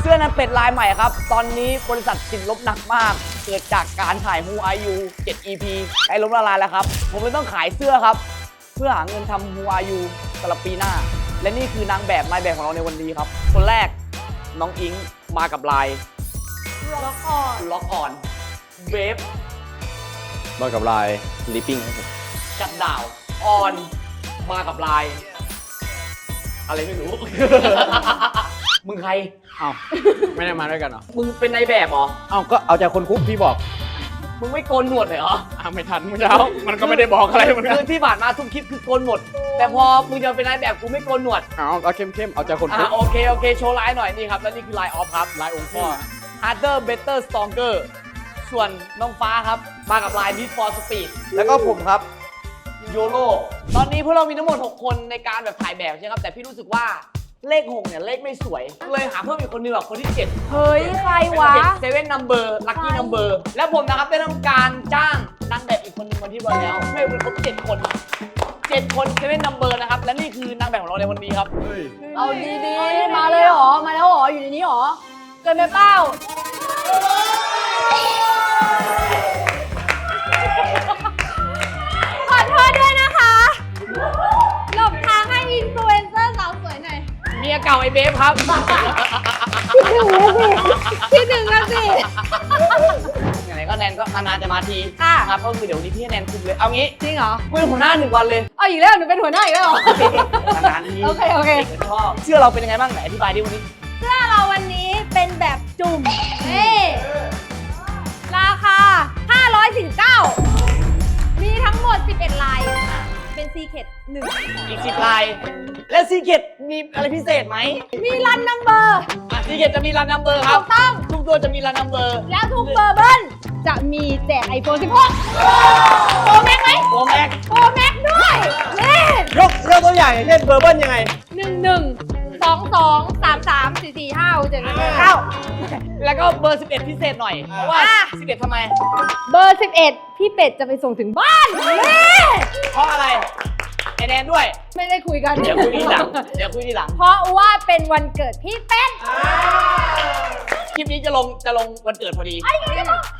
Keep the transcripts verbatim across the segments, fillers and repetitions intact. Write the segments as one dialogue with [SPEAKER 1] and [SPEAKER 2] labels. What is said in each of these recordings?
[SPEAKER 1] สื้อนั้นเป็ดลายใหม่ครับตอนนี้บริษัทติดลบหนักมากเกิดจากการถ่าย Who Are You เจ็ด อี พี ใกล้ล้มละลายแล้วครับผมเลยต้องขายเสื้อครับเพื่อหาเงินทำ Who Are You สำหรับปีหน้าและนี่คือนางแบบนายแบบของเราในวันนี้ครับคนแรกน้องอิงมากับลายล็อกออนล็อกออนเวฟ
[SPEAKER 2] มากับลายลิปปิ้งครับผม
[SPEAKER 1] จัดดาวออนมากับลายอะไรไม่รู้ มึงใคร
[SPEAKER 2] อ้าวไม่ได้มาด้วยกันเหรอ
[SPEAKER 1] มึงเป็นนายแบบเหรอ
[SPEAKER 2] อ้าวก็เอาจากคนคุกพี่บอก
[SPEAKER 1] มึงไม่โกนหนวดเลยเหรอ
[SPEAKER 2] อ้าวไม่ทันเมื่อเช้ามันก็ไม่ได้บอกอะไรเหมือนกัน
[SPEAKER 1] คือที่ผ่านมาทุกคลิปคือโกนหมดแต่พอมึงจะเป็นนายแบบกูไม่โกนหนวด
[SPEAKER 2] อ้าวเอาเข้มๆเอาจากคนคุก
[SPEAKER 1] โอเคโอเคโชว์ไลน์หน่อยนี่ครับแล้วนี่คือไลน์ออฟครับไลน์องค์พ่อ harder better stronger ส่วนน้องฟ้าครับมากับไลน์ need for speed
[SPEAKER 2] แล้วก็ผมครับ
[SPEAKER 1] โยโร่ตอนนี้พวกเรามีทั้งหมดหกคนในการแบบถ่ายแบบใช่ครับแต่พี่รู้สึกว่าเลขหกเนี่ยเลขไม่สวยเลยหาเพิ่มอีกคนนึงแบบคนที่เจ็ด
[SPEAKER 3] เฮ้ยใครวะ
[SPEAKER 1] เซเว่นนัมเบอร์ลัคกี้นัมเบอร์แล้วผมนะครับได้ทำการจ้างนางแบบอีกคนนึงวันที่วันแล้วให้เป็นครบเจ็ดคนเจ็ดคนเซเว่นนัมเบอร์นะครับและนี่คือนางแบบของเราในวันนี้ครับ
[SPEAKER 3] เอาดีๆมาเลยเหรอมาแล้วเหรออยู่ในนี้เหรอเกินไปเปล่าขอโทษด้วยนะคะหลบทางให้อินฟลูเอนเซอร์สาวสวยหน่อย
[SPEAKER 1] เมียเก่าไอเบฟครับ
[SPEAKER 3] ที่หนึ่งแล้วสิที่หนึ่งแล้วสิ
[SPEAKER 1] อย่างไรก็แนนก็นานๆจะมาทีครับก็คือเดี๋ยววันนี้พี่แนนคุมเลยเอางี้
[SPEAKER 3] จริงเหรอ
[SPEAKER 1] กูเป็นหัวหน้าหนึ่งวันเลย
[SPEAKER 3] เอาอีกแล้วหนูเป็นหัวหน้าอีกแล้วเหรอน
[SPEAKER 1] านๆที
[SPEAKER 3] โอเคโอเค
[SPEAKER 1] ชอบเสื้อเราเป็นยังไงบ้างไหนอธิบายดิวันนี้
[SPEAKER 3] เสื้อเราวันนี้เป็นแบบจุ่มนี่ราคาห้าร้อยสี่สิบเก้ามีทั้งหมดสิบเอ็ดลายเป็นซีเคทหนึ่ง
[SPEAKER 1] อีกสิบลายและซีเคทมีอะไรพิเศษไหม
[SPEAKER 3] มีรันนัมเบอร์
[SPEAKER 1] ซีเคทจะมีรันนัมเบอร์ครับ
[SPEAKER 3] ถูกต้อง
[SPEAKER 1] ทุกตัวจะมีรันนัมเบอร์
[SPEAKER 3] แล้วทุกเบอร์เบิ้ลจะมีแจกไอโฟนสิบหกโปรแม็กไหม
[SPEAKER 1] โปรแม็ก
[SPEAKER 3] โปรแม็กด้วยนี่
[SPEAKER 2] ยกยกตัวอย่างอย่างเช่นเบอร์เบิ้ลยังไง
[SPEAKER 3] หนึ่งหนึ่งสองสองสามสามสี่สี่ห้าเจ็ดแปดเก้า
[SPEAKER 1] แล้วก็เบอร์สิบเอ็ดพิเศษหน่อยเพราะว่าสิบเอ็ดทำไม
[SPEAKER 3] เบอร์สิบเอ็ดพี่เป็ดจะไปส่งถึงบ้าน
[SPEAKER 1] เพราะอะไรไอแนนด้วย
[SPEAKER 3] ไม่ได้คุยกัน
[SPEAKER 1] เดี๋ยวคุยทีหลังเดี๋ยวคุยทีหลัง
[SPEAKER 3] เพราะว่าเป็นวันเกิดพี่เป็ด
[SPEAKER 1] คลิปนี้จะลงจะลงวันเกิดพอดี
[SPEAKER 3] ไอ้ไงจะบอก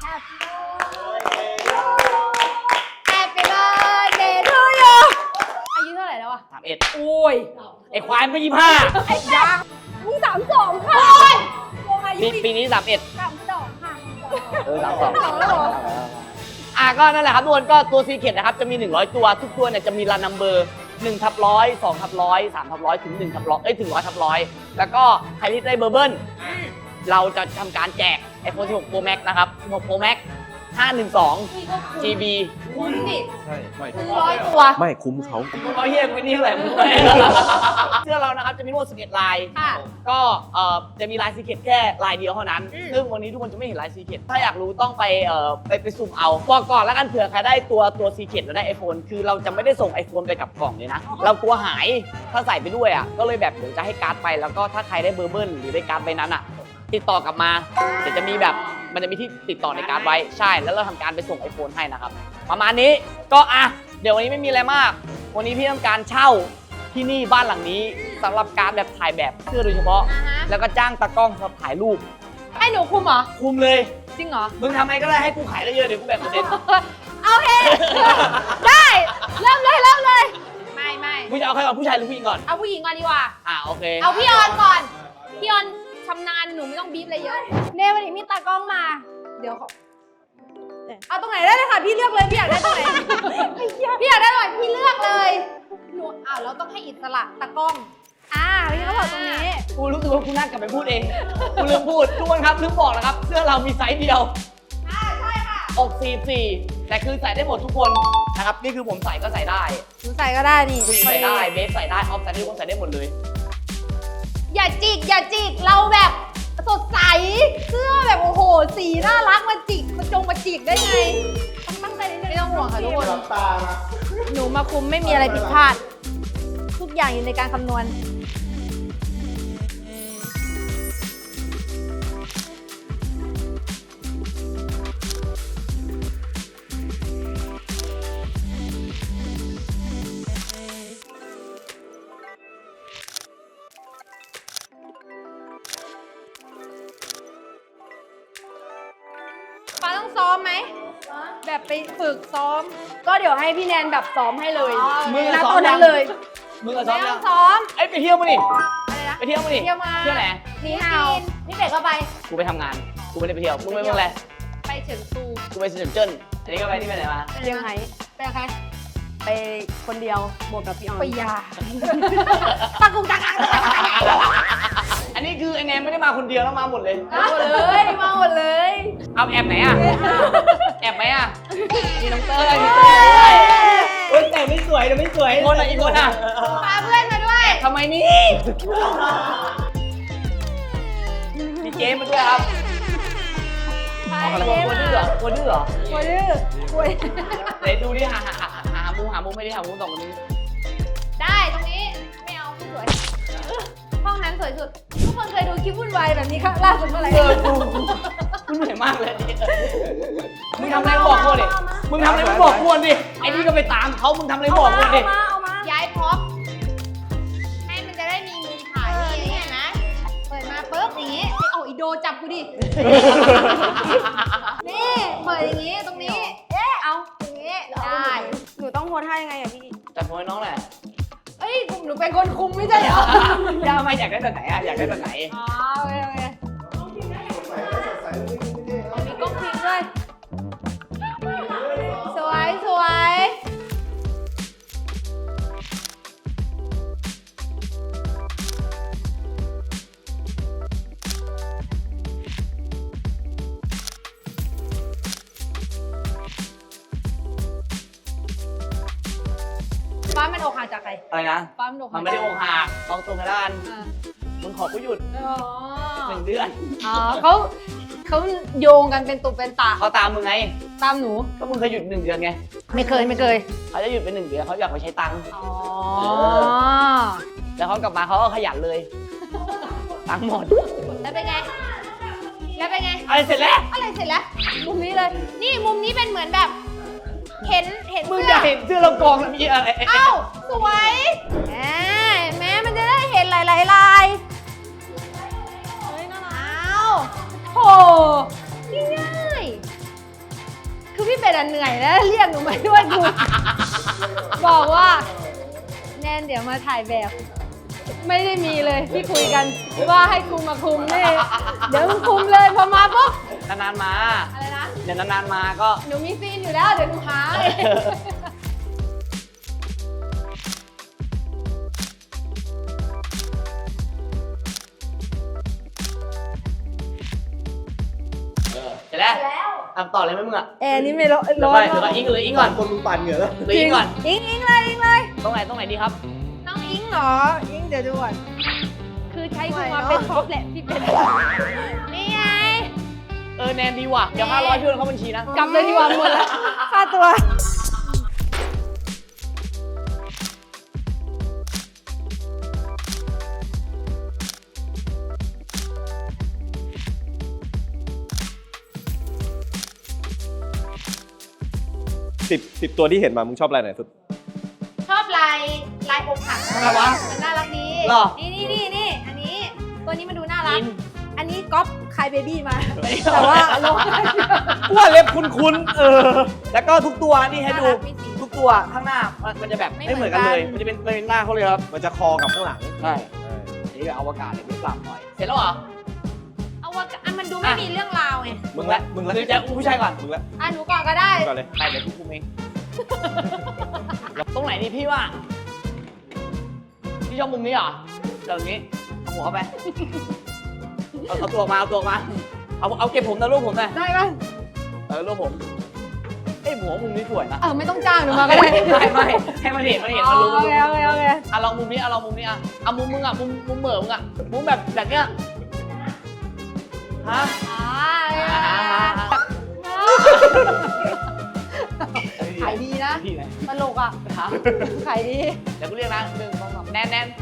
[SPEAKER 3] Happy birthday to you อายุเท่าไหร่แล้วอะ
[SPEAKER 1] สามเอ็ด
[SPEAKER 3] โอ้ย
[SPEAKER 1] ไอควายไม่ยี่ห้า
[SPEAKER 3] ไอ้ยังมึงสามสองค่ะ
[SPEAKER 1] ปีปีนี้สามเอ็ด
[SPEAKER 3] สามสองค่ะ
[SPEAKER 1] เออสามสองอ่ะก็นั่นแหละครับทุกคนก็ตัวซีเคทนะครับจะมีหนึ่งร้อยตัวทุกตัวเนี่ยจะมีรันนัมเบอร์หนึ่งทับร้อยสองทับร้อยสามทับร้อยถึงหนึ่งทับร้อยเอ้ยถึงร้อยทับร้อยแล้วก็ใครที่ได้เบอร์เบิ้ลเราจะทำการแจก ไอโฟนสิบหก Pro Max นะครับสิบหก Pro Max ห้าหนึ่งสอง จี บี
[SPEAKER 3] คุ้มดิ
[SPEAKER 2] ใช่ไม่
[SPEAKER 3] ร้อยตัว
[SPEAKER 2] ไม่คุ้มเขา
[SPEAKER 1] เขาเฮียกูนี่เท่าไหร่มึงเสื้อเรานะครับจะมีทั้งหมดสิบเอ็ดลายก็เอ่อจะมีลายซีเคทแค่ลายเดียวเท่านั้นซึ่งวันนี้ทุกคนจะไม่เห็นลายซีเคทถ้าอยากรู้ต้องไปเอ่อไปไปสุ่มเอาบอกก่อนแล้วกันเผื่อใครได้ตัวตัวซีเคทแล้วได้ iPhone คือเราจะไม่ได้ส่ง iPhone ไปกับกล่องเลยนะเรากลัวหายถ้าใส่ไปด้วยอ่ะก็เลยแบบเดี๋ยวจะให้การ์ดไปแล้วก็ถ้าใครได้เบอร์เบิ้ลหรือได้การ์ดไปนั้นอ่ะติดต่อกลับมาเดี๋ยวจะมีแบบมันจะมีที่ติดต่อในการ์ดไว้ใช่แล้วเราทำการไปส่ง iPhone ให้นะครับประมาณนี้ก็อ่ะเดี๋ยววันนี้ไม่มีอะไรมากวันนี้พี่ต้องการเช่าที่นี่บ้านหลังนี้สำหรับการแบบถ่ายแบบเสื้อโดยเฉพาะแล้วก็จ้างตากล้องมาถ่ายรูป
[SPEAKER 3] ให้หนูคุมเหรอ
[SPEAKER 1] คุมเลย
[SPEAKER 3] จริงเหรอ
[SPEAKER 1] มึงทำไงก็ได้ให้กูขายได้เยอะเดี๋ยวกูแบ่งเปอร์เซ็นต์
[SPEAKER 3] โอเคได้เริ่มเลยเริ่มเลยไม่ไม่
[SPEAKER 1] มึงจะเอาใครก่อนผู้ชายหรือผู้หญิงก่อน
[SPEAKER 3] เอาผู้หญิงก่อนดีกว่า
[SPEAKER 1] อ่าโอเค
[SPEAKER 3] เอาพี่ออนก่อนพี่ออนชำนาญหนูไม่ต้องบีบอะไรเยอะเน่วันนี้มีตากล้องมาเดี๋ยวเอาตรงไหนได้เลยค่ะพี่เลือกเลยพี่อยากได้ตรงไหนพี่อยากได้ตรงไหนพี่เลือกเลยหนูอ้าวเราต้องให้อิสระตากล้องอ่าพี่เขาบอกตรงนี้
[SPEAKER 1] กูรู้สึกว่ากูน่ากลับไปพูดเองกูลืมพูดทุกคนครับลืมบอกนะครับเสื้อเรามีไซส์เดียว
[SPEAKER 3] อ่าใช่ค่ะ
[SPEAKER 1] อกสี่สี่แต่คือใส่ได้หมดทุกคนนะครับนี่คือผมใส่ก็ใส่ได้
[SPEAKER 3] หนูใส่ก็ได้นี่
[SPEAKER 1] ผู้หญิงใส่ได้เบสใส่ได้ออฟใส่ได้ทุกคนใส่ได้หมดเลย
[SPEAKER 3] อย่าจิกอย่าจิกเราแบบสดใสเสื้อแบบโอ้โหสีน่ารักมาจิกมาจงมาจิกได้ไงต้องตั้งใจนิดนึงไม่ต้องห่วงค่ะทุกคนหนูมาคุมไม่มีอะไรผิดพลาดทุกอย่างอยู่ในการคำนวณอมไหมแบบไปฝึกซ้อม ก็เดี๋ยวให้พี่แนนแบบซ้อมให้เลย
[SPEAKER 1] มึง
[SPEAKER 3] ณ
[SPEAKER 1] อะซ้อ
[SPEAKER 3] ต
[SPEAKER 1] ม
[SPEAKER 3] อน
[SPEAKER 1] ยั
[SPEAKER 3] นั้
[SPEAKER 1] ง
[SPEAKER 3] นเลย
[SPEAKER 1] มึงอะซ้อ
[SPEAKER 3] ไม่
[SPEAKER 1] ม
[SPEAKER 3] ต้
[SPEAKER 1] ยั
[SPEAKER 3] อง งซ้อม
[SPEAKER 1] ไอ้ยไปเที่ยวมาดิ
[SPEAKER 3] อะไรนะ
[SPEAKER 1] ไปเที่ยวมาดิ
[SPEAKER 3] เที่ยวมา
[SPEAKER 1] เที่ยวไหน
[SPEAKER 3] นี่ฮาวพี่เป็ดก็ไป
[SPEAKER 1] กูไปทำงาน กูไม่ได้ไปเที่ยว มึงไปเมืองอะไร
[SPEAKER 3] ไปเฉิงตู
[SPEAKER 1] กูไปเซินเจิ้นอันนี้ก็ไปที่ไปไหนมา
[SPEAKER 4] เชียงไฮ้
[SPEAKER 3] ไปกับใคร
[SPEAKER 4] ไปคนเดียวบวกกับพี่ออน
[SPEAKER 3] ไปยาตะกุกตะกัก
[SPEAKER 1] อันนี้คือไอแนนไม่ได้มาคนเดียวแล้วมาหมดเลย
[SPEAKER 3] มาหมดเลยมาหมดเลย
[SPEAKER 1] เอาแอบไหนอ่ะ แอบไหมอ่ะมีน้องเต้ยมีเต้ยด้วย
[SPEAKER 2] เฮ้ยแต่ไม่สวยแต่ไม่สวย
[SPEAKER 1] อีกคนอ่ะอีกคนอ่ะ
[SPEAKER 3] พาเพื่อนมาด้วย
[SPEAKER 1] ทำไมนี่มีเกมมาด้วยครับ
[SPEAKER 3] ไป
[SPEAKER 1] เอาอะไร
[SPEAKER 3] เจ๊
[SPEAKER 1] กลัว
[SPEAKER 3] มา
[SPEAKER 1] ดื้อเหรอกลัวดื้อเหรอ
[SPEAKER 3] กลัวดื้อกลัว
[SPEAKER 1] ไหนดูดิหาหาหาหามุมหามุมไม่ได้หามุมสองคนนี้
[SPEAKER 3] ได้ตรงนี้ไม่เอาไม่สวยห้องนั้นสวยสุดทุกคนเคยดูคลิปวุ่นวายแบบนี้ครั้งล่าสุดเมื่อไหร่
[SPEAKER 1] เออกูกูเหนื่อยมากเลยมึงทำอะไรบอกกูดิมึงทำอะไรบอกกูดิไอ้นี่ก็ไปตามเขามึงทำอะไรบอกกูดิ
[SPEAKER 3] เอามาเอามาย้ายพร็อพให้มันจะได้มีมุมถ่ายนี่อย่างเงี้ยนะเปิดมาปุ๊บอย่างงี้ไอ้เอาอีโดจับกูดิ นี่เปิดอย่างงี้ตรงนี้ เอ๊ะเอาอย่างงี้ได้
[SPEAKER 4] หนูต้องโพสท่ายังไงอะพี่
[SPEAKER 1] จัดมวยน้องแหละ
[SPEAKER 3] เอ้ยหนูเป็นคนคุมไม่ใช่เหรอ
[SPEAKER 1] ย่าไม่อยากได้แบบไหนอ่ะอยากได้แบบไหน
[SPEAKER 3] อ๋อโอเคโอเคมีกล้องพิมพ์ด้วย สวยสวยฟ้ามันอกหักจากใคร
[SPEAKER 1] อะไรนะ
[SPEAKER 3] ฟ้ามันอกหั
[SPEAKER 1] มั
[SPEAKER 3] ก
[SPEAKER 1] นไม่ได้อกหักลองตรงกันแล้วกัน
[SPEAKER 3] อ่า
[SPEAKER 1] มึงขอกูหยุด
[SPEAKER 3] อ๋อ
[SPEAKER 1] หนึ่งเดือน
[SPEAKER 3] อ๋อเขาเขาโยงกันเป็นตุเป็นตะ
[SPEAKER 1] เขาตามมึงไง
[SPEAKER 3] ตามหนู
[SPEAKER 1] ก็มึงเคยหยุดหนึ่งเดือนไง
[SPEAKER 3] ไม่เคยไม่เคย
[SPEAKER 1] เขาจะหยุดไปหนึ่งเดือนเขาอยากไปใช้ตังค์
[SPEAKER 3] อ๋อ
[SPEAKER 1] แล้วเขากลับมาเขาก็ขยันเลย ตังค์หมด
[SPEAKER 3] แล้วเป็นไง แล้วเป็นไง
[SPEAKER 1] อะไรเสร็จแล้ว
[SPEAKER 3] อะไรเสร็จแล้ว มุมนี้เลย นี่มุมนี้เป็นเหมือนแบบ เห็นเห็น
[SPEAKER 1] มึง
[SPEAKER 3] เสื้
[SPEAKER 1] จะ
[SPEAKER 3] อ
[SPEAKER 1] เห็นเสื้อเรากองแล้วมีอะไร
[SPEAKER 3] เอ้าสวยแหมแม้มันจะได้เห็นหลายๆลายเฮ้ยน่ารักอ้าวโหง่ายๆคือพี่เป็ดอะเหนื่อยแล้วเรียกหนูมาด้วยกู บอกว่า แนนเดี๋ยวมาถ่ายแบบ ไม่ได้มีเลยที่คุยกันว่าให้กูมาคุมนี่เดี๋ยวมึงคุมเลยพอมาปุ๊บ
[SPEAKER 1] นานๆมา
[SPEAKER 3] อะไรนะ
[SPEAKER 1] เดี๋ยวนานๆมาก็
[SPEAKER 3] หนูมีซีนอยู่แล้วเดี๋ยวหนูหาเอง
[SPEAKER 1] เสร็จแล้วทำต่อเลยไหมมึงอ่ะ
[SPEAKER 3] แอร์นี่ไม่ร้อน
[SPEAKER 1] เดี๋ยว
[SPEAKER 3] ร้อ
[SPEAKER 1] ไป
[SPEAKER 3] น
[SPEAKER 1] เดี๋ยวไปอิงเลยอิงก่อน
[SPEAKER 2] คนมึงปั่นเหงื่อแล้ว
[SPEAKER 1] เลยอิงก่อน
[SPEAKER 3] อิงอิงเลยอิงเลย
[SPEAKER 1] ตรงไหนตรงไหนดีครับ
[SPEAKER 3] น้องอิงเหรออิงเดี๋ยวดูก่อนคือใช้กูมาเป็นท็อปแหละพี่เป็นนี่ไง
[SPEAKER 1] เออแนนดีว่ะ เดี๋ยวห้าร้อยช่วยเข้าบัญชีนะ
[SPEAKER 3] กลับเลยดีกว่าหมดแล้วค่าตัว
[SPEAKER 2] สิบสิบตัวที่เห็นมามึงชอบอะไรไหนสุด
[SPEAKER 3] ชอบลายลายอกหัก
[SPEAKER 1] ทำไมวะ
[SPEAKER 3] มันน่ารักดี
[SPEAKER 1] หรอ
[SPEAKER 3] นี่นี่นี่นี่อันนี้ ตัวนี้มันดูน่ารัก
[SPEAKER 1] อิน
[SPEAKER 3] อันนี้ก๊อปคายเบบี้มา แต่ว่าลง
[SPEAKER 1] ว่าเล็บคุ้นๆ เออ แล้วก็ทุกตัวนี่ให้ดู
[SPEAKER 3] น่ารักมีสี
[SPEAKER 1] ทุกตัวข้างหน้ามันมันจะแบบ
[SPEAKER 3] ไม่
[SPEAKER 1] ไม่เหมือนกัน
[SPEAKER 3] เหมื
[SPEAKER 1] เล
[SPEAKER 3] อนกัน
[SPEAKER 1] ย มันจะเป็นเป็นหน้าเขาเลยครับ
[SPEAKER 2] มันจะคอกับข้างหลัง
[SPEAKER 1] ใช่อันนี้ก็อวกาศเลยไม่ปรับหน่อย เสร็จแล้วเหรอ
[SPEAKER 3] เอาว่าอันมันดูไม่มีเรื่องราวไง
[SPEAKER 2] มึงละมึงละ
[SPEAKER 1] หรือจะอุ้มผู้ชายก่อน
[SPEAKER 2] มึงละ
[SPEAKER 3] อ่ะหนูก่อนก็ได้
[SPEAKER 2] มึงก่อนเลย
[SPEAKER 1] ไปเดี๋ยวพี่คุมเอง ตรงไหนดีพี่ว่า พี่ชอบมุมนี้เหรอแบบนี้ เอาหัวเข้าไป เอาเอาตัวออกมา เอาตัวออกมา เอาเอาเก็บผมนะลูกผมนะ
[SPEAKER 3] ได้ปะ
[SPEAKER 1] เออลูกผม เอ้ยหัวมุมนี้สวยนะ
[SPEAKER 3] เออไม่ต้องจ้างหนูมาก็ได้
[SPEAKER 1] ไม่ไม่ให้มันเห็นมันเห็นมันรู้
[SPEAKER 3] โอเคโอเคโอเค
[SPEAKER 1] อ่ะลองมุมนี้อ่ะลองมุมนี้อ่ะเอามุมมึงอ่ะมุมมุมเหม่อมึงอ่ะมุมแบบแบบเนี้ยฮะ
[SPEAKER 3] อ่า
[SPEAKER 1] อ่าฮะฮะฮะ
[SPEAKER 3] ขายดีนะ
[SPEAKER 1] ที่ไหน
[SPEAKER 3] ตลกอ่ะ
[SPEAKER 1] ฮะ
[SPEAKER 3] ขายดี
[SPEAKER 1] เดี๋ยวกูเรียกนะหนึ่งสองสามแน่นแน่น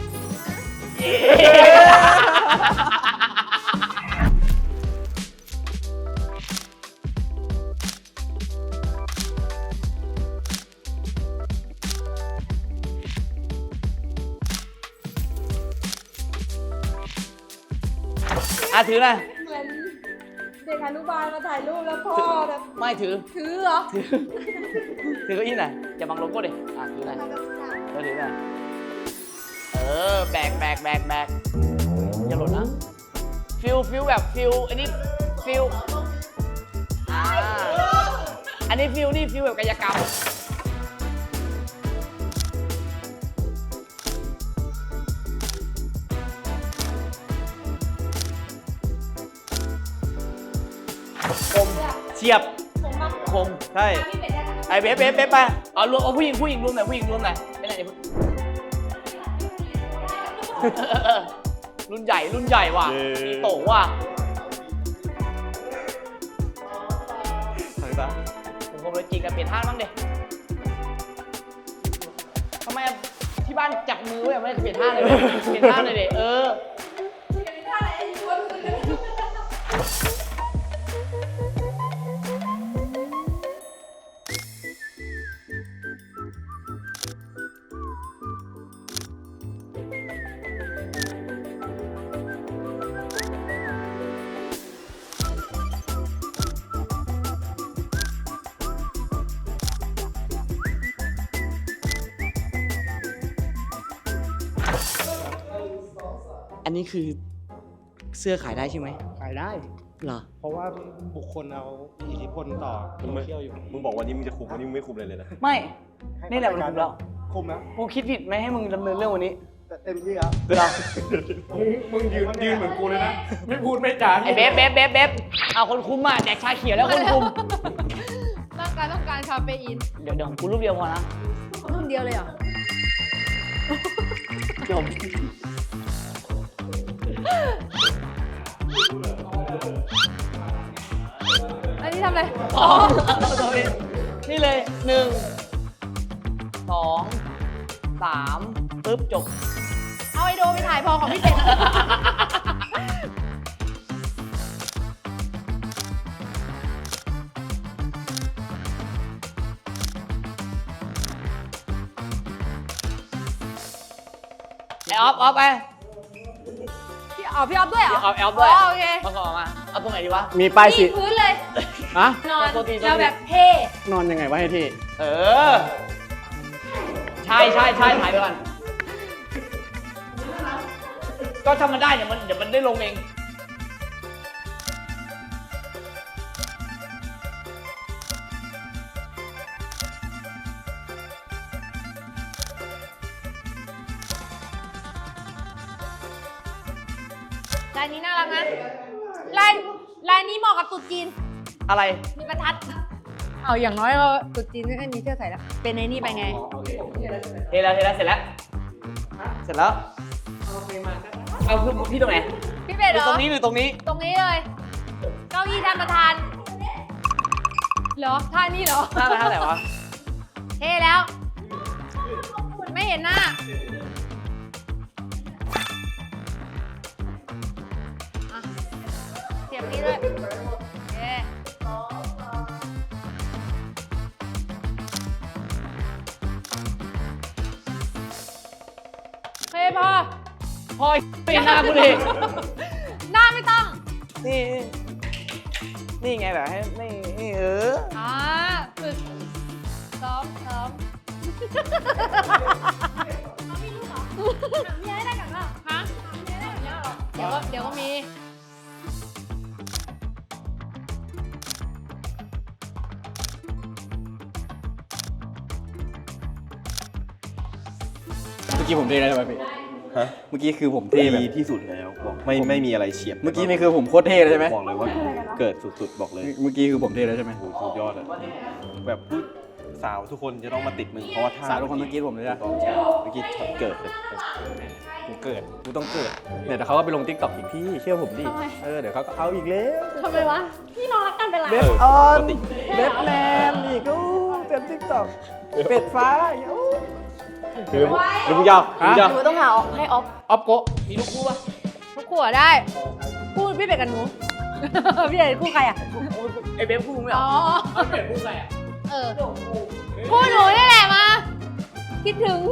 [SPEAKER 1] อ่ะถือหน่อย
[SPEAKER 3] เหมือนเด็กอนุบาลมาถ่ายรูปแล้วพ่อแบบ
[SPEAKER 1] ไม่ถือ
[SPEAKER 3] ถือเหรอ
[SPEAKER 1] ถือถือเก้าอี้หน่อยอย่าบังโลโก้ดิอ่ะถือหน่อยเออถือหน่อยเออแบกแบกแบกแบกอย่าหล่นนะฟิลฟิลแบบฟิลอันนี้ฟิลอ่าอันนี้ฟิลนี่ฟิลแบบกายกรรมคมเฉียบ
[SPEAKER 3] ผมมา
[SPEAKER 1] คม
[SPEAKER 2] ใช่
[SPEAKER 3] พี่เป็ดได้ไหม
[SPEAKER 1] ไอ้เบ๊บเบ๊บเบ๊บไปเอารวมเอาผู้หญิงผู้หญิงรวมหน่อยผู้หญิงรวมหน่อยไม่ไหนเออรุ่นใหญ่รุ่นใหญ่ว่ะ
[SPEAKER 2] เย้
[SPEAKER 1] มีโตว่ะ
[SPEAKER 2] ทางซ้าย
[SPEAKER 1] ผมคงเลยจริงกันเปลี่ยนท่าบ้างดิทำไมอะที่บ้านจับมือไว้อะไม่ได้เปลี่ยนท่าเลยเปลี่ยนท่าเลยดิเออ อันนี้คือเสื้อขายได้ใช่ไหม
[SPEAKER 5] ขายได้
[SPEAKER 1] เหรอ
[SPEAKER 5] เพราะว่าบุคคลเอามีอิทธิพลต่อโซเชียลอยู่
[SPEAKER 2] มึงบอกวันนี้มึงจะคุมวันนี้มึงไม่คุมเลยเลยนะ
[SPEAKER 1] ไม่ นี่แหละมันคุมแล้ว
[SPEAKER 5] คุมแล้ว
[SPEAKER 1] กูคิดผิดไหมให้มึงดำเนินเรื่องวันนี้
[SPEAKER 5] แต่เต็มที่แล้ว
[SPEAKER 1] เหรอ
[SPEAKER 5] มึงมึงยืนยืนเหมือนกูเลยนะ ไม่พูดไม่จา
[SPEAKER 1] ไอ้เบ๊บเบ๊บเบ๊บเบ๊บเอาคนคุมอ่ะแดกชาเขียวแล้วคนคุม
[SPEAKER 3] ต้องการต้องการคาเฟอีน
[SPEAKER 1] เดี๋ยวเดี๋ยวกูรูปเดียวพอนะ
[SPEAKER 3] รุ่นเดียวเลยเหรอ
[SPEAKER 1] จบ
[SPEAKER 3] อันนี้ทำอะไร
[SPEAKER 1] อ๋อนี่เลยหนึ่งสองสามปึ๊บจบ
[SPEAKER 3] เอาไอโดไปถ่ายพอของพี่เป็ด
[SPEAKER 1] ไอออฟออฟไป
[SPEAKER 3] พี่อ๋อพี่ออฟด้วยเหรอ
[SPEAKER 1] พี่ออฟแอลด้วย
[SPEAKER 3] อ๋อโอเค
[SPEAKER 1] มาขอมา เอาตรงไหนดีวะ
[SPEAKER 5] มีป้ายสี
[SPEAKER 3] ที่พื้นเลย
[SPEAKER 5] อะ
[SPEAKER 3] นอน
[SPEAKER 1] โทษทีโทษที
[SPEAKER 3] เราแบบเท่
[SPEAKER 5] นอนยังไงวะให้ที่
[SPEAKER 1] เออ ใช่ใช่ใช่ถ่ายไปก่อน ก็ทำมันได้เดี๋ยวมันเดี๋ยวมันได้ลงเอง
[SPEAKER 3] ลายนี้น่ารักนะ ลายลายนี้เหมาะกับตุ๊ดจีน
[SPEAKER 1] อะไร
[SPEAKER 3] มีประทัด เอาอย่างน้อยเราตุ๊ดจีนก็มีเสื้อใส่แล้ว เป็นไอ้นี่ไปไง
[SPEAKER 1] เทแล้วเทแล้วเสร็จแล้ว เสร็จแล้ว เอาคือพี่ตรงไหน
[SPEAKER 3] พี่เป็ด
[SPEAKER 1] ห
[SPEAKER 3] เห
[SPEAKER 1] รื
[SPEAKER 3] ร
[SPEAKER 1] อ
[SPEAKER 3] อ
[SPEAKER 1] ตรงนี้หรือตรงนี้
[SPEAKER 3] ตรงนี้เลย เก้าอี้ท่านประธาน เหรอ ท่านี้เหรอ
[SPEAKER 1] ท่าอะไรท่าไหนวะ
[SPEAKER 3] เท่แล้ว ไม่เห็นหน้า อ่ะเสียบนี้ด้วยโอเคโอเคพอ
[SPEAKER 1] พอยไปหน้ากูดิ
[SPEAKER 3] หน้าไม่ต้อง
[SPEAKER 1] นี่ นี่ไงแบบให้นี่นี่เออ
[SPEAKER 3] อ่าฝึกซ้อมซ้อมเขามีลูกเหรอหาเมียให้ได้ก่อนเหรอฮะหาเมียให้ได้ก่อนเหรอเดี๋ยวก็เดี๋ยวก็มี
[SPEAKER 5] เมื่อกี้ผมเท่แล้วใช่ไหมพี่
[SPEAKER 2] ฮะ
[SPEAKER 5] เมื่อกี้คือผมเท่แบบ
[SPEAKER 2] ดีที่สุดแล้วบอกไม่ไม่มีอะไรเฉียบ
[SPEAKER 5] เมื่อกี้นี่คือผมโคตรเท่เลยใช่ไหม
[SPEAKER 2] บอกเลยว่าเกิดสุดๆบอกเลย
[SPEAKER 5] เมื่อกี้คือผมเท่แล้วใช่ไหม
[SPEAKER 2] โอ้โหสุดยอดอะแบบผู้สาวทุกคนจะต้องมาติดมึงเพราะว่าท่า
[SPEAKER 5] สาวทุกคนเมื่อกี้ผมเลย
[SPEAKER 2] ถู
[SPEAKER 5] นะ
[SPEAKER 2] กต้องใช่เมื่อกี้ช็อตเกิดเลย
[SPEAKER 5] กูเกิดกูต้องเกิดเนี่ยแต่เขาก็ไปลงทิกตอกอีกพี่เชื่อผมดิ
[SPEAKER 3] ทำไม
[SPEAKER 5] เออเดี๋ยวเขาก็เอาอีกแล้ว
[SPEAKER 3] ทำไมวะ พี่น้องรักกันเป็นไร
[SPEAKER 5] เบฟออนเบฟแมนอีกอู้เต็มทิกตอกเป็ดฟ้าอู้
[SPEAKER 2] คือหรือมึงยาวมึงยาว
[SPEAKER 4] หนูต้องหาออกให้ออฟ
[SPEAKER 5] ออฟโกะ
[SPEAKER 1] มีลูกคู่ปะ
[SPEAKER 3] ทุกขวดได้ พูดพี่เป็ดกับหนู พี่เป็ดคู่ใครอ่ะ
[SPEAKER 1] ไอเบฟคู่ไม่เหร
[SPEAKER 3] อ๋
[SPEAKER 1] อ
[SPEAKER 3] อ
[SPEAKER 1] เอาเปลี่ยนคู่ใครอ่ะ
[SPEAKER 3] เออคู่หนูนี่แหละมา คิดถึง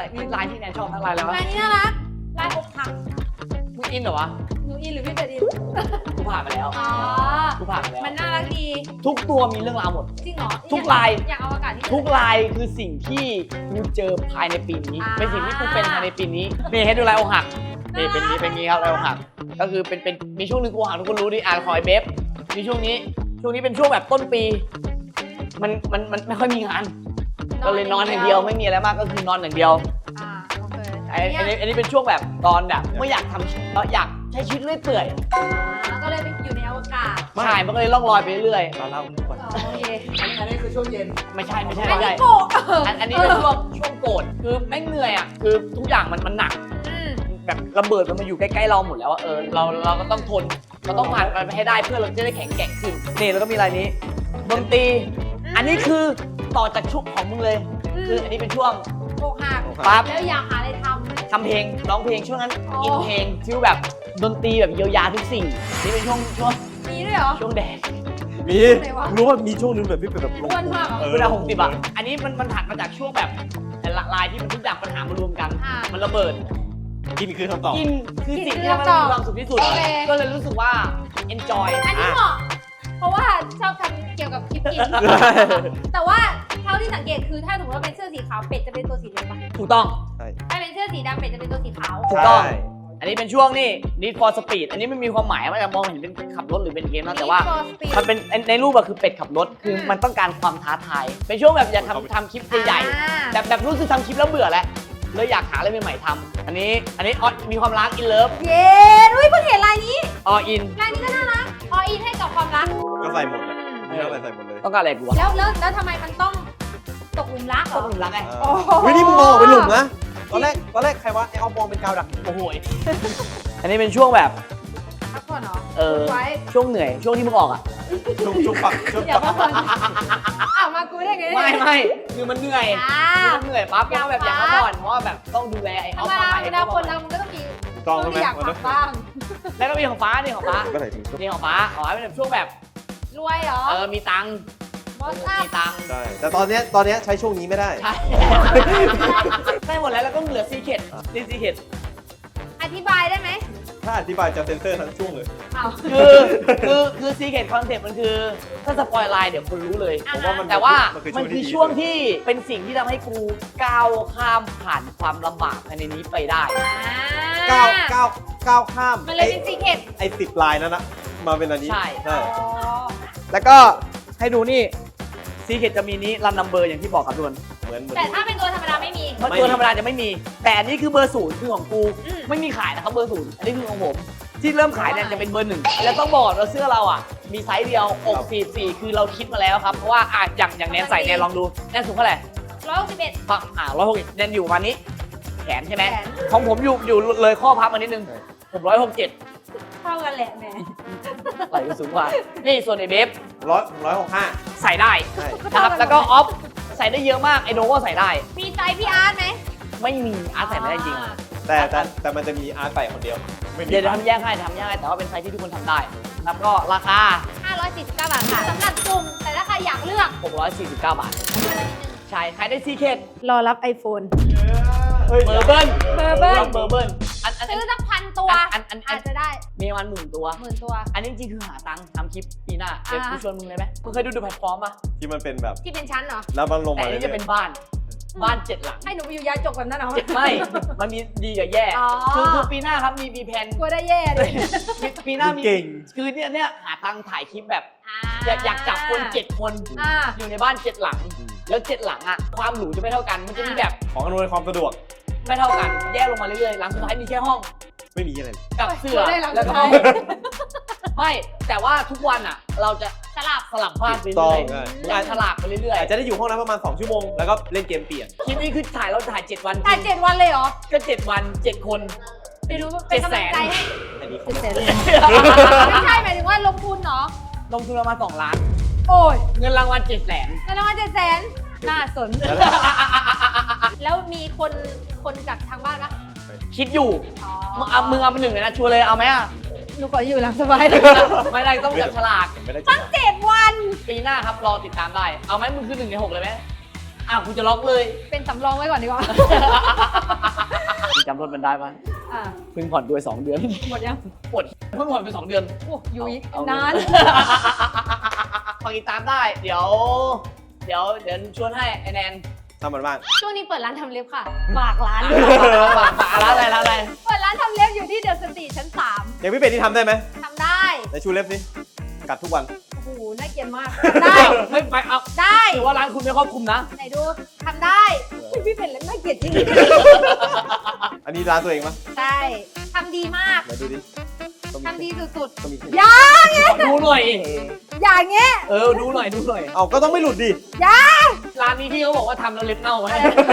[SPEAKER 1] อะไรนี่ลายที่แนนชอบทั้งลายแล้ว
[SPEAKER 3] ลายนี้น่ารักลายอกหัก
[SPEAKER 1] มึงอินเหรอวะ
[SPEAKER 3] หนูอินหรือพี่เป็ดอิน
[SPEAKER 1] กูผ่านมาแล้ว
[SPEAKER 3] อ๋อ
[SPEAKER 1] กูผ่านมาแล้ว
[SPEAKER 3] มันน่ารักดี
[SPEAKER 1] ทุกตัวมีเรื่องราวหมด
[SPEAKER 3] จริงเหรอ
[SPEAKER 1] ทุกลาย
[SPEAKER 3] อยากเอาอากาศที่
[SPEAKER 1] ทุกลายคือสิ่งที่กูเจอภายในปีนี้
[SPEAKER 3] อ่า
[SPEAKER 1] เป็นสิ่งที่กูเป็นภายในปีนี้นี่ให้ดูลายอกหักนี่เป็นนี้เป็นนี้ครับลายอกหักก็คือเป็นเป็นมีช่วงหนึงกูหักทุกคนรู้ดิอ่านคอยเบฟมีช่วงนี้ช่วงนี้เป็นช่วงแบบต้นปี มันมันมันไม่ค่อยมีงาน ก็เลยนอนอย่างเดียวไม่มีอะไรมากก็คือนอนอย่างเดียว
[SPEAKER 3] อ่าโอเค
[SPEAKER 1] ไอ้ไอ้นี่อันนี้เป็นช่วงแบบตอนแบบไม่อยากทำเราอยากใช้ชีวิตเรื่อยเปื่อย
[SPEAKER 3] อ่าก็เลยไปอยู่ในอวกาศ
[SPEAKER 1] ใช่มันก็เลยล่องลอยไปเรื่อย
[SPEAKER 2] ตอนเล่าก่อน
[SPEAKER 3] อ๋อโอเค
[SPEAKER 5] อันนี้คือช่วงเย็น
[SPEAKER 1] ไม่ใช่ไม่ใช่
[SPEAKER 3] อัน
[SPEAKER 1] ไม่
[SPEAKER 3] นี้
[SPEAKER 1] ใช่
[SPEAKER 3] โกะ
[SPEAKER 1] อันอันนี้เป็นช่วงช่วงโกรธคือแม่งเหนื่อยอ่ะคือทุกอย่างมันมันหนัก
[SPEAKER 3] อืม
[SPEAKER 1] แบบระเบิดมันมาอยู่ใกล้ๆเราหมดแล้วอะเออเราเราก็ต้องทนเราต้องผ่านมันไปให้ได้เพื่อเราจะได้แข็งแกร่งขึ้นนี่แล้วก็มีอะไรนี้ดนตรีอันนี้คือต่อจากช่วงของมึงเลย คืออันนี้เป็นช่วง
[SPEAKER 3] อกหัก
[SPEAKER 1] ปั๊บ
[SPEAKER 3] แล้วอยากหาอะไรท
[SPEAKER 1] ทำเพลงร้องเพลงช่วงนั้น
[SPEAKER 3] อ๋ออิ
[SPEAKER 1] อินเพลงฟิลแบบดนตรีแบบเยียวยาทุกสิ่งนี่เป็นช่วงช่วง
[SPEAKER 3] ำมีด้วยเหรอ
[SPEAKER 1] ช่วงแดด
[SPEAKER 2] มี
[SPEAKER 3] ไหนวะ
[SPEAKER 2] รู้ว่ามีช่วงนึงแบบพี่เป็นแบบลง
[SPEAKER 3] อ้วนมากเหรอ
[SPEAKER 2] เออ
[SPEAKER 1] เวลาหกสิบอะอันนี้มันมันถัดมาจากช่วงแบบลายที่มันทุกอย่างปัญหามารวมกัน
[SPEAKER 3] อ่า
[SPEAKER 1] มันระเบิด
[SPEAKER 2] กินคือคำตอบ
[SPEAKER 1] กินคือสิ่ง
[SPEAKER 3] กิน
[SPEAKER 1] ที่
[SPEAKER 3] คือ
[SPEAKER 1] มัน
[SPEAKER 3] คำตอบ
[SPEAKER 1] มีความสุขที่สุด
[SPEAKER 3] โอเค
[SPEAKER 1] ก็เลยรู้สึกว่า enjoy
[SPEAKER 3] อันนี้เหมาะ เพราะว่าชอบทำเกี่ยวกับคลิปกิน แต่ว่าเท่าที่สังเกตคือถ้าสมมติว่าเป็นเสื้อสีขาวเป็ดจะเป็นตัวสีเหลืองปะ
[SPEAKER 1] ถูกต้อง
[SPEAKER 2] ใช่
[SPEAKER 3] ถ้าเป็นเสื้อสีดำเป็ดจะเป็นตัวสีขาว
[SPEAKER 1] ถูกต้อง
[SPEAKER 2] ใช่
[SPEAKER 1] อันนี้เป็นช่วงนี่ Need for Speed อันนี้ไม่มีความหมายว่าจะมองเห็นเป็นขับรถหรือเป็นเกมนะแต่ว่า
[SPEAKER 3] Need for Speed
[SPEAKER 1] มันเป็นในรูปอะคือเป็ดขับรถ คือมันต้องการความท้าทาย เป็นช่วงแบบอยากทำทำคลิปใหญ่
[SPEAKER 3] อ่า
[SPEAKER 1] ๆแบบแบบรู้สึกทำคลิปแล้วเบื่อแล้วเลยอยากหาอะไรใหม่ๆทำอันนี้อันนี้อ๋อมีความรัก in love
[SPEAKER 3] เย้อุ้ยเพิ่งเห็นลายนี้
[SPEAKER 1] all in
[SPEAKER 3] ลายนี้ก็น่ารักออินให้กับความรัก
[SPEAKER 2] ก็ใส่หมดเลยมีอะไรใส่หมดเลย
[SPEAKER 1] ต้องการอะไรกูวะ
[SPEAKER 3] แล้วแล้วแล้วทำไมมันต้องตกหลุมรักเหร
[SPEAKER 1] ต้อ
[SPEAKER 3] อ
[SPEAKER 1] งหลุมรักไง
[SPEAKER 2] เออเฮ้ยนี่มึงมองเป็นหลุมนะ ตอนแรกตอนแรกใครวะไอเอามองเป็นกาวดัก
[SPEAKER 1] โอ้โหยอันนี้เป็นช่วงแบบ
[SPEAKER 3] พักผ่อนเหรอ
[SPEAKER 1] เออ
[SPEAKER 3] ไว้
[SPEAKER 1] ช่วงเหนื่อยช่วงที่มึงออกอะ
[SPEAKER 2] ชุบชุบปักชุบ
[SPEAKER 3] อย่า
[SPEAKER 2] ปั
[SPEAKER 3] มาก ผ่อนอ้าวมากูได้ไง
[SPEAKER 1] ไม่ไม่คือมันเหนื่อย
[SPEAKER 3] อ่า
[SPEAKER 1] คือมันเหนื่อยปั๊บก็แบบอยากพักผ่อนเพราะว่าแบบต้องดูแลไอ้
[SPEAKER 3] ธร
[SPEAKER 1] ออ
[SPEAKER 3] ร
[SPEAKER 1] ฟ
[SPEAKER 3] ม
[SPEAKER 1] มา
[SPEAKER 3] ดา
[SPEAKER 1] ใหม่
[SPEAKER 3] เวลาคนเรามันก็ต้องมี
[SPEAKER 2] กล้อง
[SPEAKER 3] ช่วง
[SPEAKER 2] ใช่ไหม
[SPEAKER 3] ที่อยาก
[SPEAKER 2] มัน
[SPEAKER 3] พั
[SPEAKER 2] ต้อง
[SPEAKER 3] กบ้าง
[SPEAKER 1] แล้วก็มีของฟ้านี่ของฟ้า
[SPEAKER 2] ก็ใส่ถุง
[SPEAKER 1] นี่ของฟ้าอ๋อเป็นแบบช่วงแบบ
[SPEAKER 3] รวยเหรอ
[SPEAKER 1] เออมีตังค์
[SPEAKER 3] บอสอัพ
[SPEAKER 1] มีตังค์
[SPEAKER 2] ใช่แต่ตอนเนี้ยตอนเนี้ยใช้ช่วงนี้ไม่ได้
[SPEAKER 1] ใช่ได้หมดแล้วแล้วก็เหลือซีเคทนี่ซีเคท
[SPEAKER 3] อธิบายได้ไหม
[SPEAKER 2] ถ้าอธิบายจะเซ็นเซอร์ทั้งช่วงเลย
[SPEAKER 3] อ้าว
[SPEAKER 1] คือคือคือซีเคทคอนเซ็ปต์มันคือถ้าสปอยไลน์เดี๋ยวคนรู้เลย
[SPEAKER 2] ผมว่ามัน
[SPEAKER 1] แต่ว่า
[SPEAKER 2] มันคือ
[SPEAKER 1] มันคือ
[SPEAKER 2] ช่
[SPEAKER 1] ช่ว
[SPEAKER 2] ว
[SPEAKER 1] ง
[SPEAKER 2] งที่
[SPEAKER 1] ที่เป็นสิ่งที่ทำให้กูก้าวข้ามผ่านความลำบากภายในนี้ไปได้
[SPEAKER 2] ก้าวก้าวก้าวข้าม
[SPEAKER 3] มันเลยเป็นซีเคร็ต
[SPEAKER 2] ไอ้สิบลายนั้นนะมาเป็นอันนี้
[SPEAKER 1] ใช่
[SPEAKER 2] ใช่
[SPEAKER 1] แล้วก็ให้ดูนี่ซีเคทจะมีนี้รันนัมเบอร์อย่างที่บอกครับทุกคน
[SPEAKER 2] เหมือนเหมือน
[SPEAKER 3] แต่ถ้าเป็นตัวธรรมดาไม่มี
[SPEAKER 1] เพราะตัวธรรมดาจะไม่มี แต่อันนี้คือเบอร์ศูนย์คือของกู
[SPEAKER 3] อืม
[SPEAKER 1] ไม่มีขายนะครับเบอร์ศูนย์อันนี้คือของผม ที่เริ่มขายเนี่ยจะเป็นเบอร์หนึ่งแล้วต้องบอกว่าเสื้อเราอ่ะมีไซส์เดียวอกสี่สี่คือเราคิดมาแล้วครับเพราะว่าอ่ะอย่างอย่างแนนใส่แนนลองดูแนนสูงเท่าไหร่
[SPEAKER 3] ร้อยหกสิบเอ็ด
[SPEAKER 1] ฝั่งอ่าร้อยหกแนนอยู่ประมาณนี้ แขนใช่ไหม
[SPEAKER 3] แขน
[SPEAKER 1] ของผมอยู่อยู่เลยข้อพับมานิดนึงผมร้อยหกเจ็ด
[SPEAKER 3] เท่ากันแหละแหม
[SPEAKER 1] ไหล่ก็สูงกว่านี่ส่วนไอเบฟ
[SPEAKER 2] ร้อยร้อยหกห้า
[SPEAKER 1] ใส่ได้
[SPEAKER 2] ใช่
[SPEAKER 1] นะครับแล้วก็ออฟใส่ได้เยอะมากไอโนก็ใส่ได้
[SPEAKER 3] มีใจพี่อาร์ตไหม
[SPEAKER 1] ไม่มีอาร์ตใส่ไม่ได้จริง
[SPEAKER 2] แต่แต่แต่มันจะมีอาร์ตใส่คนเดียว ไม่มี
[SPEAKER 1] เดี๋ยวเดี๋ยวทำแยกให้ทำแยกให้แต่ว่าเป็นไซส์ที่ทุกคนทำได้นะครับก็ราคา
[SPEAKER 3] ห้าร้อยสี่สิบเก้าบาทค่ะสำหรับจุ่มแต่ถ้าใครอยากเลือก
[SPEAKER 1] หกร้อยสี่สิบเก้าบาท ใช่ขายได้ซีเคท
[SPEAKER 4] รอรับ iPhone
[SPEAKER 2] เฮ้ย
[SPEAKER 1] เบอร์เบิ้ล
[SPEAKER 3] เบอร์เบิ้ล
[SPEAKER 1] เบอร์เบิ้ลอันอันอัน
[SPEAKER 3] ซื้อสักพันตัว
[SPEAKER 1] อันอันอัน
[SPEAKER 3] อาจจะได้
[SPEAKER 1] มีประมาณหมื่นตัว
[SPEAKER 3] หมื่นตัว
[SPEAKER 1] อันนี้จริงๆคือหาตังค์ทำคลิปปีหน้าเดี๋ยว
[SPEAKER 3] อ่า
[SPEAKER 1] กูชวนมึงเลยไหมมึงเคยดูดูแพลตฟอร์มป่ะ
[SPEAKER 2] ที่มันเป็นแบบ
[SPEAKER 3] ที่เป็นชั้นเหรอ
[SPEAKER 2] แล้วมันลง
[SPEAKER 1] แต่
[SPEAKER 2] มา
[SPEAKER 1] อัน
[SPEAKER 2] เลย
[SPEAKER 1] นี้จะเป็นบ้านบ้านเจ็ดหลัง
[SPEAKER 3] ให้หนูไปอยู่ยาจกแบบนั้นเหรอ
[SPEAKER 1] ไม่ มันมีดีกับแย่
[SPEAKER 3] อ๋อ
[SPEAKER 1] คือคือปีหน้าครับมีมีแผน
[SPEAKER 3] กลัวได้แย่เลย
[SPEAKER 1] ปีปีหน้ามี
[SPEAKER 2] เก่ง
[SPEAKER 1] คือเนี่ยเนี่ยหาตังค์ถ่ายคลิปแบบอยากอยากจับคนเจ็ดคน
[SPEAKER 3] อ่า
[SPEAKER 1] อยู่ในบ้านเจ็ดหลัง แล้วเจ็ดหลังอ่ะความหรูจะไม่เท่ากันมันจะมีแบบ
[SPEAKER 2] ของอำนวยความสะดวก
[SPEAKER 1] ไม่เท่ากันแยกลงมาเรื่อยๆหลังสุดท้ายมีแค่ห้อง
[SPEAKER 2] ไม่มีอะไรเลย
[SPEAKER 1] กับเสื้อ
[SPEAKER 3] ได้หลัง
[SPEAKER 1] แล้วก็
[SPEAKER 3] สุดท้าย
[SPEAKER 1] ไม่แต่ว่าทุกวันอ่ะ เราจะ
[SPEAKER 3] สลับ
[SPEAKER 1] สลับบ้านไป
[SPEAKER 2] ต้
[SPEAKER 1] เรื่
[SPEAKER 2] อ
[SPEAKER 1] อง ย
[SPEAKER 2] ใช่
[SPEAKER 1] ๆอาจฉลากไปเรื่อย
[SPEAKER 2] อาจจะได้อยู่ห้องนั้นประมาณสองชั่วโมง แล้วก็เล่นเกมเปลี่ยน
[SPEAKER 1] ๆคลิปนี้คือถ่ายเราถ่ายเจ็ดวัน
[SPEAKER 3] ถ่ายเจ็ดวันเลยเหรอ
[SPEAKER 1] ก็เจ็ดวันเจ็ดคน
[SPEAKER 3] ไปดูเป็นกำลังใจให้
[SPEAKER 2] อันนี้เขา
[SPEAKER 4] เจ็ด
[SPEAKER 2] ไม่
[SPEAKER 4] แสน
[SPEAKER 3] ไม่ใช่หมายถึงว่าลงทุนเหรอ
[SPEAKER 1] ลงทุนประมาณสองล้าน
[SPEAKER 3] โอ้ย
[SPEAKER 1] เงินรางวัลเจ็ดแสน
[SPEAKER 3] เงินรางวัลเจ็ดแสนน่าสน แล้วมีคนคนจากทางบ้านปะ
[SPEAKER 1] คิดอยู่มึงเอามึงเอาเป็นหนึ่งเลยนะชัวร์เลยเอาไหมอ่ะ
[SPEAKER 3] หนูขออยู่หลังสบายเลย
[SPEAKER 1] ไม่ได้ต้องจับฉลาก
[SPEAKER 2] ไม่ได้
[SPEAKER 3] ตั้งเจ็ดวัน
[SPEAKER 1] ปีหน้าครับรอติดตามได้ เอาไหมมึงคือหนึ่งในหกเลยไหมอ่ะคุณจะล็อกเลย
[SPEAKER 3] เป็นสำรองไว้ก่อนดีกว่า
[SPEAKER 1] จำรถมันได้ปะ
[SPEAKER 3] อ่ะ
[SPEAKER 1] เพิ่งผ่อนด้วยสองเดือน
[SPEAKER 3] หมดยัง
[SPEAKER 1] ปวดเพิ่งผ่อนไปสองเดือน
[SPEAKER 3] โอ้ยุ้ย
[SPEAKER 1] เอา
[SPEAKER 3] นาน
[SPEAKER 1] ฟังติดตามได้ เดี๋ยว เดี๋ยวเดี๋ยวชวนให้ไอแนน
[SPEAKER 2] ทำมันบ้าง
[SPEAKER 3] ช่วงนี้เปิดร้านทำเล็บค่ะฝากร้าน
[SPEAKER 1] ฝากฝากร้านอะไรร้านอะไร
[SPEAKER 3] เปิดร้านทำเล็บอยู่ที่เดอะสตรีทชั้นสาม
[SPEAKER 2] อย่างพี่เป็ดที่ทำได้ไหม
[SPEAKER 3] ทำได้
[SPEAKER 2] ในชูเล็บสิกัดทุกวัน
[SPEAKER 3] โอ้โหน่าเกลียดมากได้
[SPEAKER 1] ไม่ไปเอา
[SPEAKER 3] ได้
[SPEAKER 1] ถือว่าร้านคุณไม่ครอบคลุมนะ
[SPEAKER 3] ไหนดูทำได้อุ๊ยพี่เป็นเล็บน่าเกลียดจริง
[SPEAKER 2] อันนี้ร้านตัวเองปะ
[SPEAKER 3] ใช่ทำดีมาก
[SPEAKER 2] ไหนดูดิต้องมี
[SPEAKER 3] ทำดีสุด
[SPEAKER 2] ต้องมี
[SPEAKER 3] ๆอย่า
[SPEAKER 1] ขอดูหน่อย
[SPEAKER 3] อย่าเงี้ย
[SPEAKER 1] เออ ดูหน่อย ดูหน่อย
[SPEAKER 2] เอาก็ต้องไม่หลุดดิ
[SPEAKER 3] อย่า
[SPEAKER 1] ร้านนี้ที่เขาบอกว่าทำแล้วเล็บเน่าไหม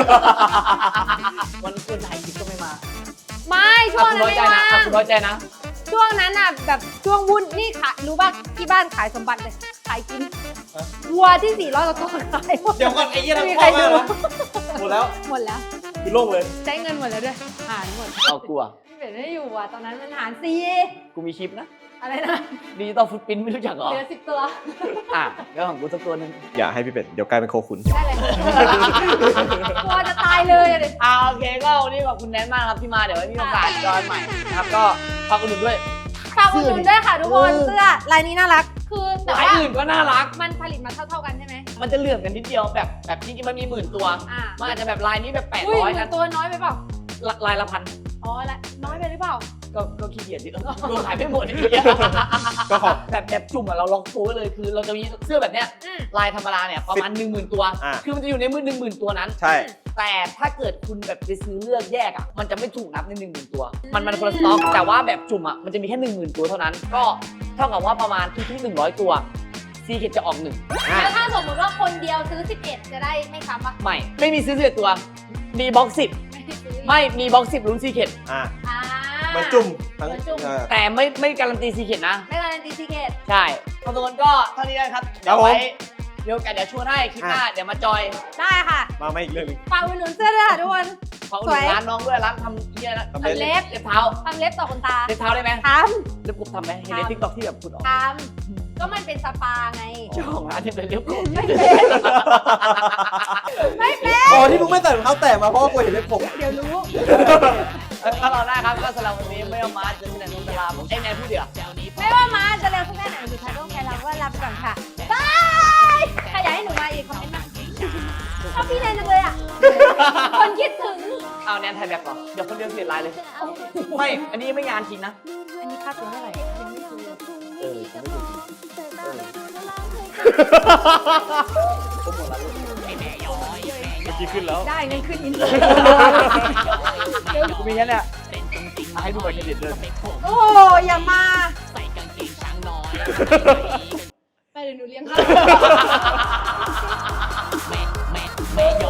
[SPEAKER 1] วันคุณถ่ายคลิปก็ไม่มา
[SPEAKER 3] ไม่ช่วง
[SPEAKER 1] คุณ
[SPEAKER 3] นั้น
[SPEAKER 1] น้อย
[SPEAKER 3] ไม่
[SPEAKER 1] ใจนะ
[SPEAKER 3] ว่าง
[SPEAKER 1] อ่ะคุณน้อยใจนะ
[SPEAKER 3] ช่วงนั้นอ่ะแบบช่วงวุ่นนี่ขายรู้ป่ะที่บ้านขายสมบัติเลยขายกินวัวที่สี่ร้อยกว่าตัวขายหมด
[SPEAKER 2] เดี๋ยวก่อนไอ้เหี้ยนั่น
[SPEAKER 3] ไม่มี
[SPEAKER 2] พ่
[SPEAKER 3] ใคร
[SPEAKER 2] อ
[SPEAKER 3] ดู
[SPEAKER 2] มากนะหมดแล้ว
[SPEAKER 3] หมดแล้ว
[SPEAKER 2] คือโล่งเลย
[SPEAKER 3] ใช้เงินหมดแล้วด้วยหารหมด
[SPEAKER 1] เอากลัว
[SPEAKER 3] พี่เป็ดไม่ได้อยู่อ่ะตอนนั้นมันหารสี่
[SPEAKER 1] กูมีคลิปนะ
[SPEAKER 3] อะไรนะ
[SPEAKER 1] ดิจิตอลฟุตปรินท์ไม่รู้จักเหรอ
[SPEAKER 3] เหลือสิบตัว
[SPEAKER 1] อ่ะเดี๋ยวของกูสักตัวหนึง
[SPEAKER 2] อย่าให้พี่เป็ด เดี๋ยวกลายเป็นโคขุน
[SPEAKER 3] ได้เลยกลัวจะตายเลยอะดิ
[SPEAKER 1] อ่าโอเคก็วันนี้ขอบคุณแนนมากครับที่มาเดี๋ยวไว้มีโอกาสจอยใหม่นะครับก็ฝากอุดหนุนด้วย
[SPEAKER 3] ฝากอุดหนุนด้วยค่ะทุกคน
[SPEAKER 1] เออ
[SPEAKER 3] เสื้อลายนี้น่ารัก คือแต่
[SPEAKER 1] ลาย
[SPEAKER 3] ว่า
[SPEAKER 1] อื่นก็น่ารัก
[SPEAKER 3] มันผลิตมาเท่าๆกันใช่ไหม
[SPEAKER 1] มันจะเหลื่อมกันนิดเดียวแบบแบบจริงๆมันมีหมื่นตัว
[SPEAKER 3] อ่า
[SPEAKER 1] มันอาจจะแบบลายนี้แบบแปด
[SPEAKER 3] อุ้ย
[SPEAKER 1] ร้อย
[SPEAKER 3] หมื่
[SPEAKER 1] นะ
[SPEAKER 3] นตัวน้อยไปเปล่า
[SPEAKER 1] ละลายละพัน
[SPEAKER 3] อ๋อละน้อยไปหรือเปล่า
[SPEAKER 1] ก็ก็ขี้เกียจดิเออโดนขายไม่หมดไอ้เหี้ย
[SPEAKER 2] ก็ขอบ
[SPEAKER 1] แบบแบบจุ่มอะเราล็อกตัวไว้เลยคือเราจะมีเสื้อแบบเนี้ย
[SPEAKER 3] อืม
[SPEAKER 1] ลายธรรมดาเนี่ยประมาณหนึ่งหมื่นตัว
[SPEAKER 2] อ่ะ
[SPEAKER 1] คือมันจะอยู่ในมือหนึ่งหมื่นตัวนั้น
[SPEAKER 2] ใช่
[SPEAKER 1] แต่ถ้าเกิดคุณแบบไปซื้อเลือกแยกอ่ะ มันจะไม่ถูกนับในหนึ่งหมื่นตัว มันมันคนละสต็อก แต่ว่าแบบจุ่มอ่ะ มันจะมีแค่หนึ่งหมื่นตัวเท่านั้น ก็เท่ากับว่าประมาณทุกๆหนึ่งร้อยตัวซีเคจะออกหนึ่ง
[SPEAKER 3] แล้วถ้าสมมติว่าคนเดียวซื้อสิบเอ็ดจะได้ไม่ซ้ำปะ
[SPEAKER 1] ไม่ ไม่มีซื้อสิบเอ็ดตัว มีบ็อกสิบ
[SPEAKER 3] ไม่ได้ซื้อ
[SPEAKER 1] ไม่ มีบ็อกสิบลุ้นซีเค
[SPEAKER 2] อ่า
[SPEAKER 3] อ่า
[SPEAKER 2] เหมือนจุ่มทั้ง
[SPEAKER 3] เหมือนจุ่ม
[SPEAKER 2] เออ
[SPEAKER 1] แต่ไม่ไม่การันตีซีเคนะ
[SPEAKER 3] ไม่การันตีซีเคท
[SPEAKER 1] ใช่ขอบคุณก็เท่านี้นะครับ เดี๋ยวไว้เดี๋ยวกันเดี๋ยวชวนให้คลิปหน้า เดี๋ยวมาจอย
[SPEAKER 3] ได้ค่ะ
[SPEAKER 2] มาไม่อีกเรื่องหนึง
[SPEAKER 3] ฝากอุดหนุนเสื้อด้วยค่ะทุกคน
[SPEAKER 1] ขอบคุณร้านน้องด้วย ร้านทำเยี่ยนะ
[SPEAKER 2] ทำเล็บ
[SPEAKER 1] เล็บเล็บเท้า
[SPEAKER 3] ทำเล็บต่อขนตา
[SPEAKER 1] เล็บเท้าได้ไหม
[SPEAKER 3] ท
[SPEAKER 1] เล็บกบทำไหมเห็นในทิกตอกที่แบบคุณออก
[SPEAKER 3] ำทำก็มันเป็นสปาไง
[SPEAKER 1] เจ้าของร้านที่เป็นเล็บกบ
[SPEAKER 3] ไม่เป็น ไม่เป็น
[SPEAKER 2] อ๋อที่มึงไม่ใส่รองเท้าแตะมาเพราะว่ากูเห็นเล็บผม
[SPEAKER 3] เดี๋ยวรู้
[SPEAKER 1] ถ้าเราได้ครับก็สำหรับวันนี้ไม่เอามาจะมีแต่นนทลาผมเอ้ยแนนผู้เดียว
[SPEAKER 3] ไม่ว่ามาจะเร็วสักแค่ไหนสุดท้ายต้องใช้เราก็รับไปก่อนค่ะบายใครอยากให้หนูมาอีกคอมเมนต์มาชอบพี่แนนจังเลยอ่ะ คนคิดถึง
[SPEAKER 1] เอาแนนถ่ายแบบก่อนเดี๋ยวคนเดียวเสียลายเลย ไม่ อันนี้ไม่งานจริงนะ
[SPEAKER 3] อันนี้ค่าตัวเท่าไหร่ยังไม่รู้
[SPEAKER 1] เออฉันไม่ถูกเออผมหมดแล้วลูกไอ้แม่ย้อย
[SPEAKER 2] เมื่อกี้ขึ้นแล้ว
[SPEAKER 3] ได้เงินขึ้นอิน
[SPEAKER 1] กูมีแค่เนี้ยให้ดูบัตรเครดิตด้วย
[SPEAKER 3] โอ้อย่ามาไปเดี๋ยวหนูเลี้ยงข้าว
[SPEAKER 1] แม่แม่แม่ย้